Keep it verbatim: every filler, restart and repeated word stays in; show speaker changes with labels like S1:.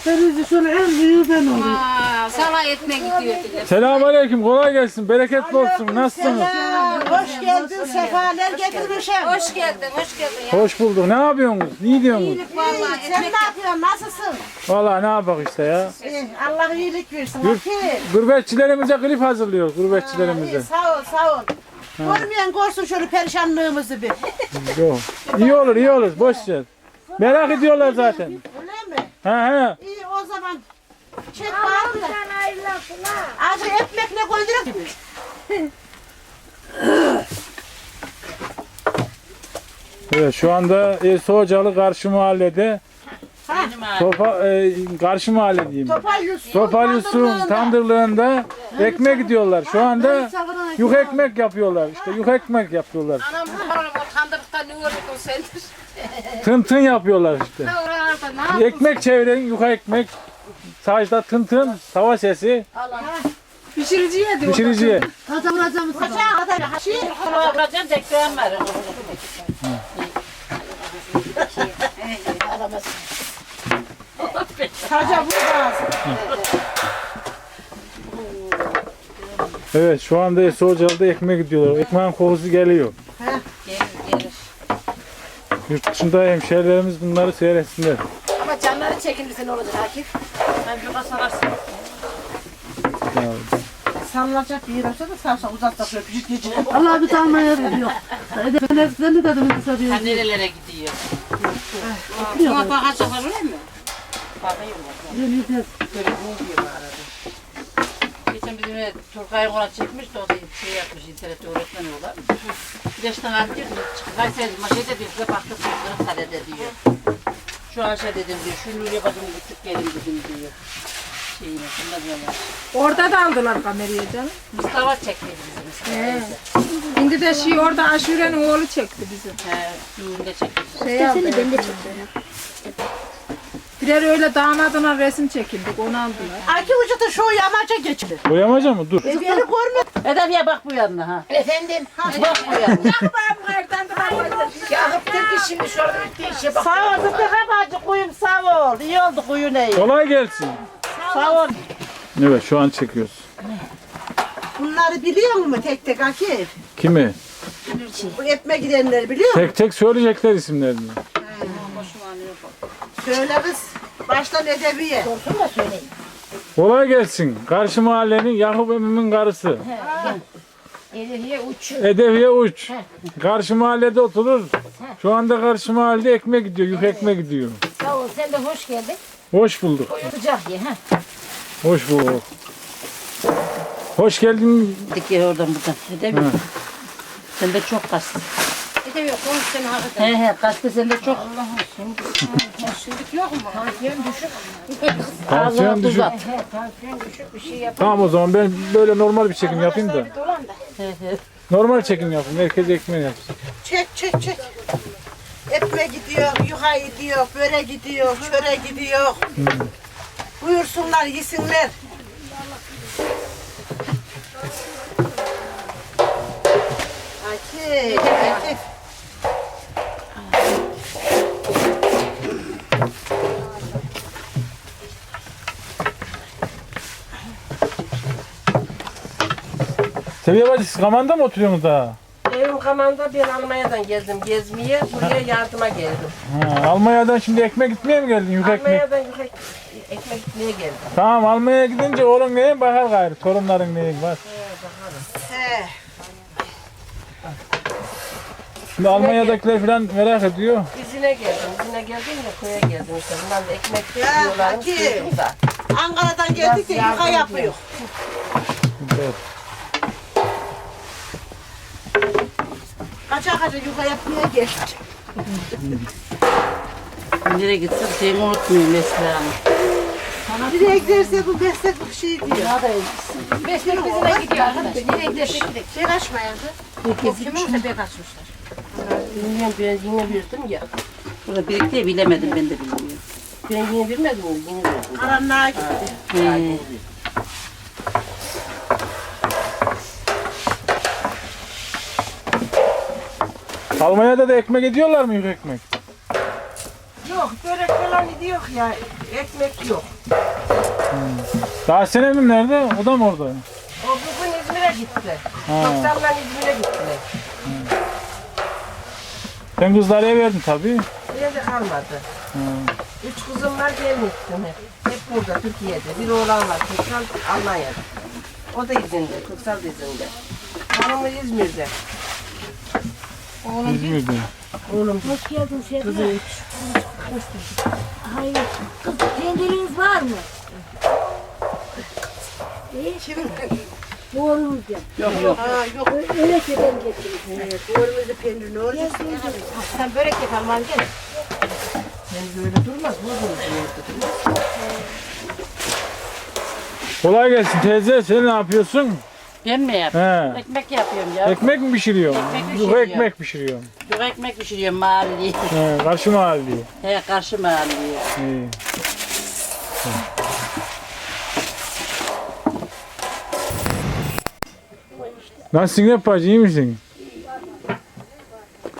S1: Denizi şöyle en büyüğü ben olayım.
S2: Aa, sana etme gidiyor.
S3: Selamünaleyküm, kolay gelsin, bereketli olsun. Nasılsınız?
S1: Hoş geldin, sefalar getirmişim.
S2: Hoş geldin, hoş geldin ya.
S3: Hoş bulduk. Ne yapıyorsunuz? Ne diyorsunuz?
S2: Vallahi
S1: Sen ne yapıyorsun, nasılsın?
S3: Vallahi ne yapak işte ya.
S1: İyi, Allah iyilik versin.
S3: Yurt,
S1: Bakayım.
S3: gurbetçilerimize klip hazırlıyoruz,
S1: İyi,
S3: gurbetçilerimize.
S1: sağ ol, sağ ol. Görmeyen görsün şöyle perişanlığımızı bir.
S3: Yok. İyi olur, iyi olur. Boş ver. Merak ediyorlar zaten.
S1: Öyle mi?
S3: He he.
S1: İyi o zaman. Çek bağlı da. Acı ekmekle koyduruk gibi.
S3: Evet, şu anda e, Soğucalı karşı mahallede. Topa, e, karşı mahalle diyeyim.
S1: Topal Yusuf.
S3: Topal Yusuf'un tandırlığında ekmek gidiyorlar. Şu anda yük ekmek yapıyorlar. İşte yük ekmek yapıyorlar.
S2: Anam oğlum o kandırıkta ne oldu o sendir?
S3: Tın tın yapıyorlar işte.
S2: Oralarda ne yapıyorsun?
S3: Ekmek çevirin, yuka ekmek. Sadece tın tın, tava sesi,
S2: Pişiriciye diyor.
S3: pişiriciye.
S1: Kaça vuracağım sana. Kaça kadar haşi.
S2: Vuracağım tekrar var.
S1: Kaça vuracağız.
S3: Evet, şu anda Soğucalı'da ekmek gidiyorlar. Ekmeğin kokusu geliyor.
S2: Gelir gelir.
S3: Yurt dışında hemşehrilerimiz bunları seyretsinler.
S2: Ama canları çekilirse ne olacak Akif? Ben bir kasararsın.
S3: Ya,
S1: Sallanacak bir yer olsa da sağ uzakta şöyle küçük geçecek.
S4: Allah bir tane yer yok. Ben hepsinden de dedim kısa bir
S2: Ha nerelere gidiyor? Buna bakacaklar öyle mi? Bakıyorum. Geçen bizim ev Turkay'ın ona çekmiş de o da şey yapmış, internette öğretmen olan. Güneşten aldı diyor, Kayseri maşede bir de baktık Kırıkkale'de diyor. Şu an şey dedim diyor, şu Nuriye bacımı gittik gelin dedim diyor. Şeyini, şundan diyorlar.
S5: Orada da aldılar kamerayı canım.
S2: Mustafa çekti bizi Mustafa.
S5: He. Şimdi de şey orada Aşure'nin oğlu çekti bizi.
S2: He, düğünde çekti.
S5: Şey aldı. Ben de çektim. Birer öyle damadına resim çekildik, onu aldılar.
S1: Aki Hoca da şu yamaca geçti.
S3: boyamaca mı? Dur.
S1: E beni görmüyor.
S2: Edebiye bak bu yanına ha. Efendim? Bak bu yanına.
S1: Sağ ol Sıdıka bacı kuyum sağ ol. İyi oldu kuyun iyi.
S3: Kolay gelsin.
S1: Sağ ol.
S3: Evet, şu an çekiyoruz.
S1: Bunları biliyor musun tek tek Akif?
S3: Kimi?
S1: Bu etme gidenleri biliyor musun?
S3: Tek tek söyleyecekler isimlerini.
S1: Söyle kız. Baştan edebiye.
S3: Kolay gelsin. Karşı mahallenin Yakup emmimin karısı.
S2: Edebiye uç.
S3: Edeviye uç. Karşı mahallede oturur. Şu anda karşı mahallede ekmek gidiyor, yük ekmek gidiyor.
S2: Sağ ol, sen de hoş geldin.
S3: Hoş bulduk.
S2: Sıcak ye ha.
S3: Hoş bulduk. Hoş geldin.
S2: Dik ye oradan buradan. Edebiye. Sen de çok kastın. Edebiye konuş seni hakikaten. He he kastı sen de çok. Allah'ım şimdi. Şimdilik yok mu? Tansiyon düşük.
S3: Tansiyon düşük.
S2: He tansiyon düşük bir şey yap.
S3: Tamam o zaman ben böyle normal bir çekim yapayım da.
S2: He he.
S3: Normal çekim yapayım. Herkes ekmeğini yapsın.
S1: Çek çek çek. Etme gidiyor, yuha gidiyor, böre gidiyor, çöre gidiyor. Buyursunlar, yesinler. Akif, Akif.
S3: Seviye bacı siz Kaman'da mı oturuyorsunuz daha?
S5: Evim Kaman'da ben Almanya'dan geldim gezmeye, buraya yardıma geldim.
S3: Ha, Almanya'dan şimdi ekmek gitmeye mi geldin? Yük ekmek.
S5: Almanya'dan ekmek, ekmek gitmeye geldim.
S3: Tamam Almanya'ya gidince oğlun neyin bakar gayrı. Torunların neyin var.
S1: He.
S3: Şimdi Almanya'dakiler falan merak ediyor.
S5: İzine geldim, izine geldim de köye geldim işte. Bunlar da ekmek
S1: Ya,
S5: yiyorlarmış,
S1: Akif.
S5: duydum da.
S1: Ankara'dan geldik de yuha yapıyor.
S3: Evet.
S1: Kaça kaça yuha yapmaya geçti.
S2: Nereye gitsem seni unutmuyor mesela.
S1: Nereye giderse bu meslek bir şey diyor.
S2: Meslek bizine gidiyor arkadaş. Nereye giderse gidelim.
S1: Şey kaçmayandı.
S2: O kiminse bek açmışlar.
S5: Bilmiyorum, ben yine verdim ya.
S2: Burada birlikte bilemedim ben de bilmiyorum.
S5: Ben yine vermedim mi? Yine verdim.
S1: Karanlığa gitti.
S2: He.
S3: Almanya'da da ekmek ediyorlar mı yük ekmek?
S1: Yok börek falan yok ya.
S5: Ekmek yok.
S3: Daha senem nerede? O da mı orada?
S5: O bugün İzmir'e gitti.
S3: Ha.
S5: Doksanla İzmir'e gittiler.
S3: Sen kızları eve verdin tabii.
S5: Buraya da kalmadı. Üç kızım var gelmiştim hep. Hep burada Türkiye'de. Bir oğlan var Köksal Almanya'da. O da izinde. Köksal da izinde. Hanımı İzmir'de.
S3: İzmir'de.
S5: Oğlum
S4: Hoş geldin Şefik.
S5: kızı üç.
S4: Hayır. Kız kendiniz var mı?
S1: Kimin?
S4: Doğrumuzda.
S2: Yok yok.
S1: Ha yok.
S4: Öyle ki ben getirdim.
S1: Evet, doğrumuzda peynir ne olacak?
S5: Sen börek yap Alman gel. Sen böyle durmaz. Bu durmaz.
S3: Kolay gelsin teyze. Sen ne yapıyorsun?
S2: Ben mi yapıyorum?
S3: He.
S2: Ekmek yapıyorum ya.
S3: Ekmek mi pişiriyorsun?
S2: Ekmek
S3: Yok
S2: pişiriyorum.
S3: ekmek pişiriyorum.
S2: Yok ekmek pişiriyorum mahalleli.
S3: He, karşı mahalleye.
S2: He karşı mahalleli.
S3: İyi. Nasılsın hep bacı, iyi misin?